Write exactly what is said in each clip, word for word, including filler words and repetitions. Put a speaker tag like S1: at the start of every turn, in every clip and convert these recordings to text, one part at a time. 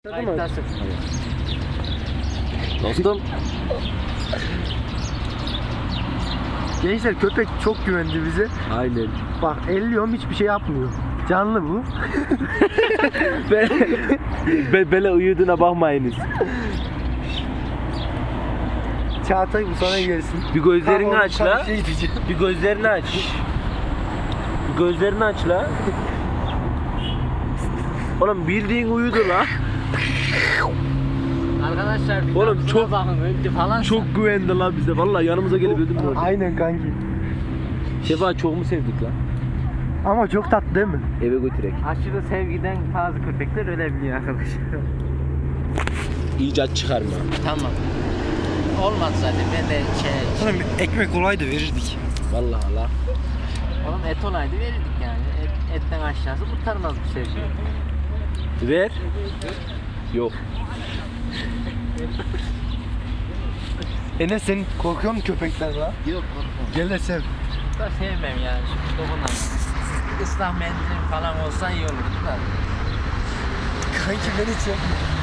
S1: Kayıttasın.
S2: Dostum.
S1: Gençler köpek çok güvendi bize.
S2: Aynen.
S1: Bak elliyorum hiçbir şey yapmıyor. Canlı bu.
S2: Be, be, böyle uyuduğuna bakmayınız.
S1: Çağatay bu sana gelsin.
S2: Bir gözlerini
S1: Tamam,
S2: aç
S1: sana
S2: la.
S1: bir şey diyeceğim.
S2: Bir gözlerini aç. Bir gözlerini aç la. Oğlum bildiğin uyudu la.
S3: Arkadaşlar bir
S2: Oğlum
S3: Oğlum,
S2: çok-
S3: bakın öldü falan.
S2: Çok güvendi la bize. Vallahi yanımıza gelip öldü mü?
S1: Aynen kanki.
S2: Şefa çok mu sevdik la?
S1: Ama çok tatlı değil mi?
S2: Eve götürek.
S3: Aşırı sevgiden bazı köpekler ölebiliyor arkadaşlar.
S2: İcat çıkarma.
S3: Tamam. Olmaz zaten ben de şey,
S1: Oğlum ekmek olaydı verirdik.
S2: Vallahi la.
S3: oğlum et olaydı verirdik yani. Et, etten aşağısı kurtarmaz bir sevgi.
S2: Ver. Yok.
S1: Enes sen korkuyor musun köpeklerden la?
S3: Yok korkma.
S1: Gel de sev.
S3: Da sevmem yani şimdi dokunam. Islah mendil falan olsa iyi olurdu da.
S1: Kanki beni çek.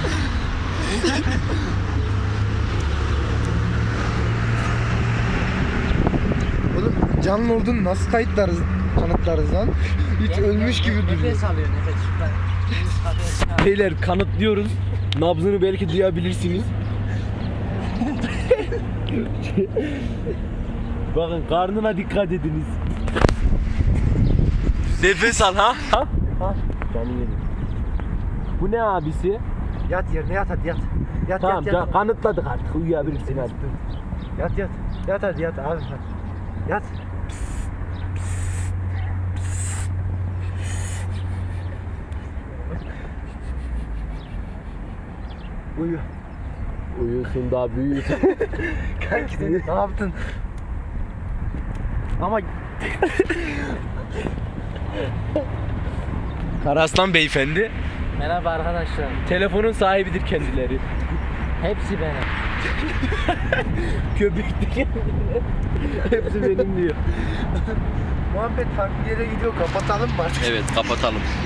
S1: Oğlum canlı olduğunu nasıl kayıtlarız, kanıtlarız lan? Hiç ölmüş gibi duruyor.
S3: Nefes alıyor nefes. Şuradan. Nefes alıyor.
S2: Beyler kanıtlıyoruz. Nabzını belki duyabilirsiniz. Bakın karnına dikkat ediniz. Nefes al ha. Ha? Ha? Canım yedim. Bu ne abisi?
S1: Yat yerine yat hadi yat. Yat
S2: Tamam
S1: yat yat.
S2: can- kanıtladık artık uyuyabilirsin hadi.
S1: Yat yat. Yat hadi yat abi. Yat. Uyu.
S2: Uyusun daha büyüsün.
S1: Kanki sen ne yaptın? Ama
S2: Karaslan beyefendi.
S3: Merhaba arkadaşlar.
S2: Telefonun sahibidir kendileri.
S3: Hepsi benim.
S2: Köpekti. Hepsi benim diyor.
S1: muhabbet farklı yere gidiyor. Kapatalım mı artık?
S2: Evet kapatalım.